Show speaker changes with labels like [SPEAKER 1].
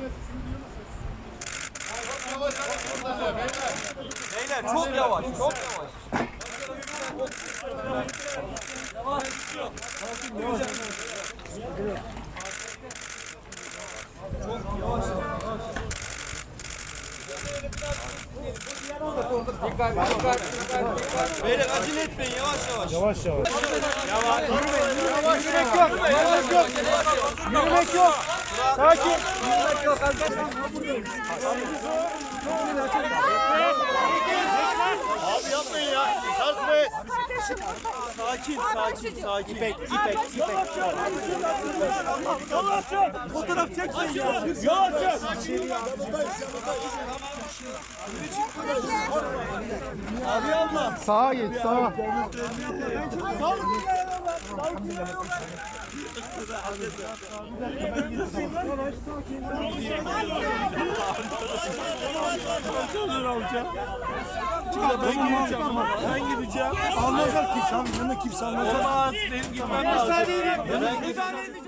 [SPEAKER 1] Beyler çok yavaş, çok yavaş. Beyler acele etmeyin, yavaş yavaş.
[SPEAKER 2] Yavaş.
[SPEAKER 1] Yürümek yok. Yürümek yok. Sakin. Yürümek yok arkadaşlar.
[SPEAKER 2] Abi yapmayın ya. Şarj be.
[SPEAKER 1] Sakin. İpek. Fotoğraf çekmeyin ya. Abi alma.
[SPEAKER 3] Sağa git, sağa.
[SPEAKER 2] Ben gideceğim. Almazlar kimse. Yanına kimse almazlar.
[SPEAKER 1] Olmaz. Benim gitmem lazım.
[SPEAKER 2] Müsaade edin.